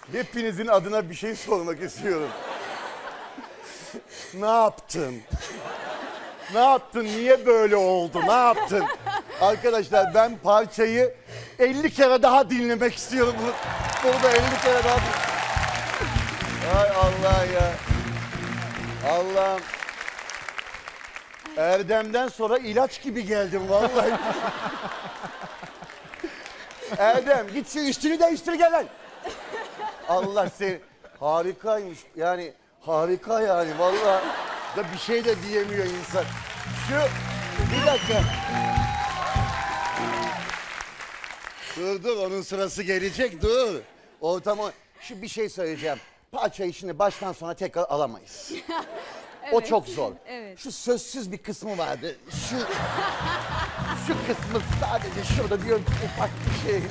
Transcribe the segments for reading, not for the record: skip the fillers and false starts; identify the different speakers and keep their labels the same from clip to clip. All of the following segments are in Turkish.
Speaker 1: Hepinizin adına bir şey sormak istiyorum. Ne yaptın? Ne yaptın? Niye böyle oldu? Ne yaptın? Arkadaşlar ben parçayı 50 kere daha dinlemek istiyorum. Burada 50 kere daha Ay Allah ya. Allah'ım. Erdem'den sonra ilaç gibi geldim vallahi. Erdem git şu üstünü değiştir gel lan. Allah seni. Harikaymış yani harika yani vallahi da bir şey de diyemiyor insan. Şu bir dakika. Dur onun sırası gelecek dur. Ortamı şu bir şey söyleyeceğim. Parçayı şimdi baştan sona tekrar alamayız.
Speaker 2: Evet.
Speaker 1: O çok zor.
Speaker 2: Evet.
Speaker 1: Şu sözsüz bir kısmı vardı. Şu kısmı sadece şurada diyor ufak bir şey.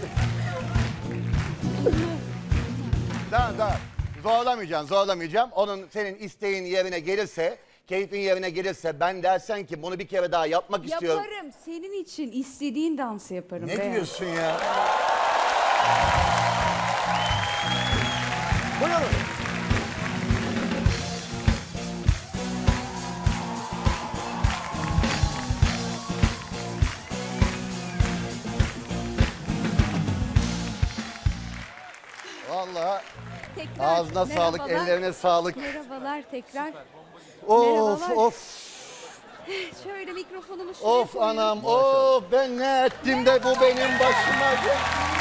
Speaker 1: Tamam. Zorlamayacağım. Onun senin isteğin yerine gelirse, keyfin yerine gelirse ben dersen ki bunu bir kere daha yapmak istiyorum.
Speaker 2: Yaparım. Senin için istediğin dansı yaparım.
Speaker 1: Ne
Speaker 2: Beyaz.
Speaker 1: diyorsun ya? Buyurun. Vallahi
Speaker 2: Tekrar.
Speaker 1: ağzına sağlık,
Speaker 2: Merhabalar.
Speaker 1: ellerine sağlık.
Speaker 2: Merhabalar tekrar.
Speaker 1: Of
Speaker 2: Merhabalar.
Speaker 1: of
Speaker 2: Şöyle mikrofonumu şuraya
Speaker 1: of
Speaker 2: koyayım.
Speaker 1: anam of ben ne ettim de bu benim başıma geldi.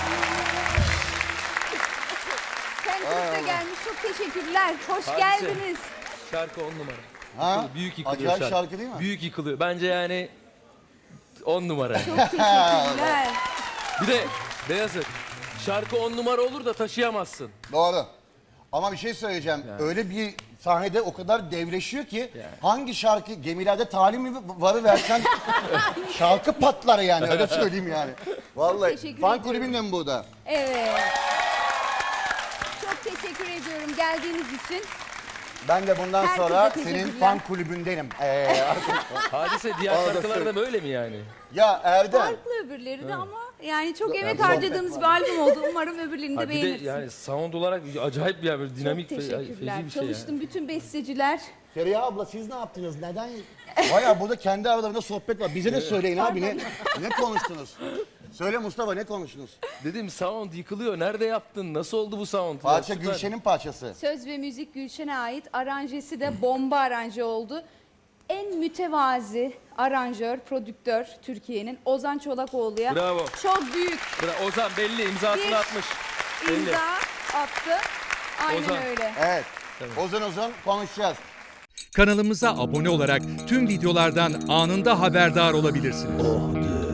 Speaker 2: Kendinize gelmiş. Çok teşekkürler. Hoş
Speaker 3: Hadise.
Speaker 2: geldiniz.
Speaker 3: Şarkı 10 numara.
Speaker 1: Ha?
Speaker 3: Büyük yıkılıyor
Speaker 1: Acayip şarkı değil mi?
Speaker 3: Büyük yıkılıyor. Bence yani 10 numara.
Speaker 2: Çok teşekkürler.
Speaker 3: Bir de Beyazıt, şarkı 10 numara olur da taşıyamazsın.
Speaker 1: Doğru. Ama bir şey söyleyeceğim. Öyle bir sahnede o kadar devleşiyor ki hangi şarkı gemilerde talim mi varı versen şarkı patlar yani öyle söyleyeyim yani. Vallahi
Speaker 2: teşekkür
Speaker 1: fan
Speaker 2: ediyorum.
Speaker 1: kulübünde mi burada?
Speaker 2: Evet. Çok teşekkür ediyorum geldiğiniz için.
Speaker 1: Ben de bundan
Speaker 2: Herkese
Speaker 1: sonra
Speaker 2: teşekkürler.
Speaker 1: senin fan kulübündenim.
Speaker 3: Hadise diğer
Speaker 1: Arada
Speaker 3: şarkılarda
Speaker 1: söyle.
Speaker 3: böyle mi yani?
Speaker 1: Ya Erdem.
Speaker 2: Farklı öbürleri de ama yani çok emek
Speaker 1: ben-
Speaker 2: harcadığımız bir albüm oldu. Umarım öbürlerini de
Speaker 3: Ha, bir de
Speaker 2: beğenirsiniz.
Speaker 3: yani sound olarak acayip bir böyle dinamik
Speaker 2: Çok
Speaker 3: ve
Speaker 2: teşekkürler.
Speaker 3: feci bir şey
Speaker 2: Çalıştım
Speaker 3: yani.
Speaker 2: bütün besteciler.
Speaker 1: Feriha abla siz ne yaptınız? Neden? Baya burada kendi aralarında sohbet var. Bize de söyleyin abi ne konuştunuz? Söyle Mustafa ne konuştunuz?
Speaker 3: Dedim sound yıkılıyor. Nerede yaptın? Nasıl oldu bu sound?
Speaker 1: Parça
Speaker 3: Ya, süper.
Speaker 1: Gülşen'in parçası.
Speaker 2: Söz ve müzik Gülşen'e ait. Aranjesi de bomba aranje oldu. En mütevazi aranjör, prodüktör Türkiye'nin Ozan Çolakoğlu'ya
Speaker 3: Bravo.
Speaker 2: çok büyük
Speaker 3: Ozan belli imzasını
Speaker 2: Bir
Speaker 3: atmış. Belli.
Speaker 2: imza attı. Aynen
Speaker 3: Ozan.
Speaker 2: öyle.
Speaker 1: Evet. Uzun konuşacağız.
Speaker 4: Kanalımıza abone olarak tüm videolardan anında haberdar olabilirsiniz.